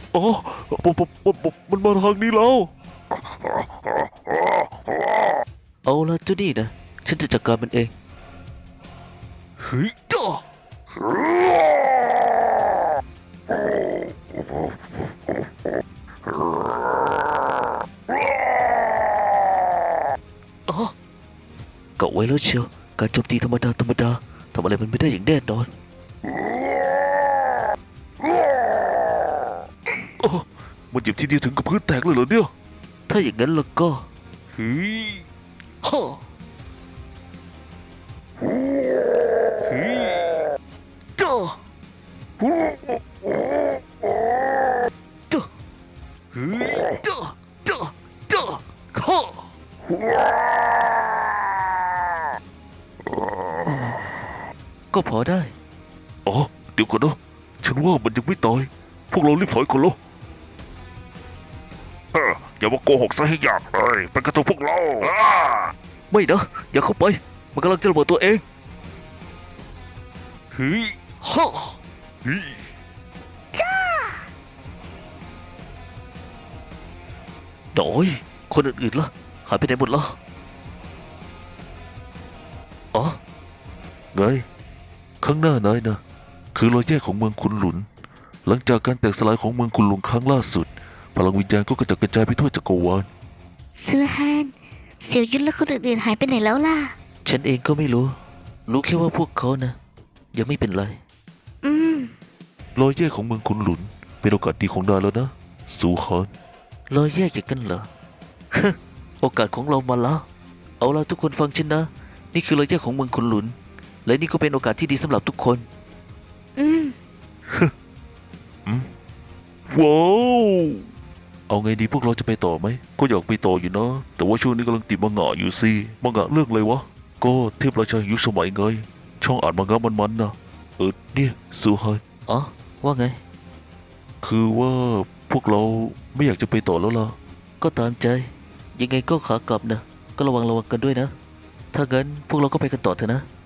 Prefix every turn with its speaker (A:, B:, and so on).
A: อ๋อมันมาทางนี้แล้ว
B: เอาละเจ้านี่นะฉันจะจัดการมันเอง
A: เฮ้ยจ้า
B: อ๋อเกาไว้แล้วเชียวการโจมตีธรรมดาทำอะไรมันไม่ได้อย่างแน่นอน
A: อ๋อมันเจ็บทีเดียวถึงกับพื้นแตกเลยเหรอเนี่ย
B: ถ้าอย่างนั้นแล้วก็
A: เฮ้ย
B: ฮ่า
A: เฮ้ย
B: จ้าจ้า
A: เฮ้ย
B: จ้าจ้าฮ่าก็พอได้
A: อ๋อเดี๋ยวก่อนนะฉันว่ามันยังไม่ตายพวกเรารีบถอยก่อนเหรออย่ามาโกหกซะให้ยากเลยเป็นกระตุ้นพวกเรา
B: ไม่นะอย่าเข้าไปมันกำลังจะระเบิดตัวเอง
A: เฮ้ย
B: ฮ่า
A: เฮ้ย
B: โดยคนอื่นๆล่ะหายไปไหนหมดแล้วอ๋อ
A: ไงข้างหน้านายนะคือรอยแยกของเมืองคุนหลุนหลังจากการแตกสลายของเมืองคุนหลุนครั้งล่าสุดพลังวิญญาณก็กระจัดกระจายไปทั่วจักรวาล
C: ซูฮานเสี่ยวยุนและคนอื่นๆหายไปไหนแล้วล่ะ
B: ฉันเองก็ไม่รู้แค่ว่าพวกเขานะยังไม่เป็นไร
C: อืม
A: รอยแยกของเมืองคุนหลุนเป็นโอกาสดีของนายแล้วนะซูฮาน
B: รอยแยกอย่างกันเหรอ โอกาสของเรามาแล้วเอาล่ะทุกคนฟังฉันนะนี่คือรอยแยกของเมืองคุนหลุนและนี่ก็เป็นโอกาสที่ดีสำหรับทุกคน
C: อืม
A: ว้าวเอาไงดีพวกเราจะไปต่อไหมก็อยากไปต่ออยู่นะแต่ว่าช่วงนี้กำลังติดมังงะอยู่สิมังงะเรื่องอะไรวะก็เทพราชายุคสมัยไงช่องอ่านมังงะมันๆนะเนี่ยซูฮาน
B: อ๋อว่าไง
A: คือว่าพวกเราไม่อยากจะไปต่อแล้วล่ะ
B: ก็ตามใจ ยังไงก็ขากลับนะก็ระวังกันด้วยนะ ถ้างั้นพวกเราก็ไปกันต่อเถอะนะ